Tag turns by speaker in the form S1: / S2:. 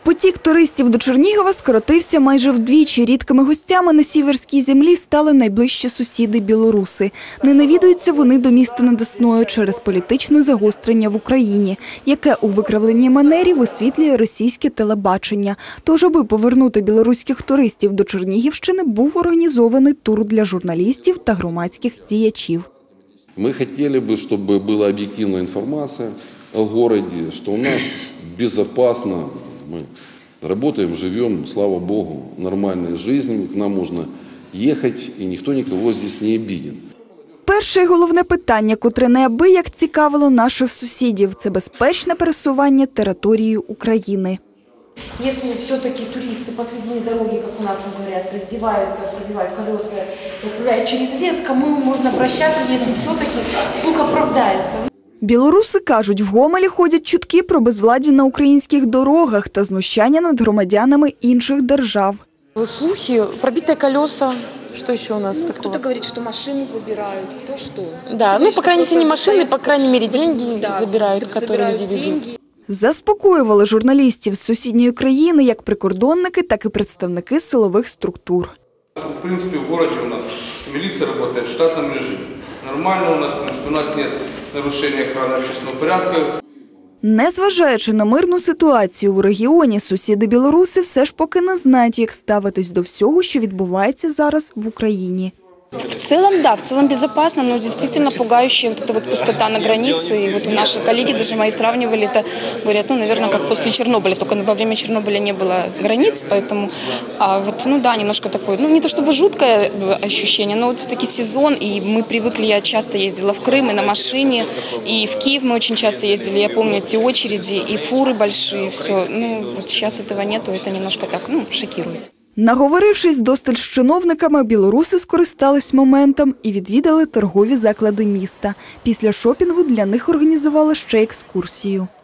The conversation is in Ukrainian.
S1: Потік туристів до Чернігова скоротився майже вдвічі. Рідкими гостями на сіверській землі стали найближчі сусіди – білоруси. Не навідуються вони до міста над Десною через політичне загострення в Україні, яке у викривленій манері висвітлює російське телебачення. Тож, аби повернути білоруських туристів до Чернігівщини, був організований тур для журналістів та громадських діячів.
S2: Мы хотели бы, чтобы была объективная информация о городе, что у нас безопасно, мы работаем, живем, слава Богу, нормальной жизнью, к нам можно ехать, и никто никого здесь не обиден.
S1: Перше і головне питання, котре неабияк цікавило наших сусідів – це безпечне пересування територією України.
S3: Если все-таки туристы посредине дороги, как у нас говорят, раздевают, пробивают колеса, отправляют через лес, кому можно обращаться, если все-таки слух оправдается?
S1: Білоруси кажуть, в Гомелі ходять чутки про безвладдя на українських дорогах та знущання над громадянами інших держав.
S4: Слухи, пробитые колеса. Что еще у нас такого?
S5: Кто-то говорит, что машины забирают, кто что.
S4: Да, ну, по крайней мере, не машины, по крайней мере, деньги забирают, которые люди везут.
S1: Заспокоювали журналістів з сусідньої країни як прикордонники, так і представники силових структур.
S6: В принципе, в городе у нас милиция работает в штатном режиме. Нормально у нас, в принципе, у нас нет нарушения охраны общественного порядка.
S1: Незважаючи на мирну ситуацію у регіоні, сусіди-білоруси все ж поки не знають, як ставитись до всього, що відбувається зараз в Україні.
S5: В целом, да, в целом безопасно, но действительно пугающая вот эта вот пустота на границе. И вот наши коллеги, даже мои сравнивали это, говорят, ну, наверное, как после Чернобыля, только во время Чернобыля не было границ, поэтому, вот, ну да, немножко такое, ну, не то чтобы жуткое ощущение, но вот все-таки сезон, и мы привыкли, я часто ездила в Крым и на машине, и в Киев мы очень часто ездили, я помню эти очереди, и фуры большие, все, ну, вот сейчас этого нету, это немножко так, ну, шокирует.
S1: Наговорившись досталь з чиновниками, білоруси скористались моментом і відвідали торгові заклади міста. Після шопінгу для них організували ще екскурсію.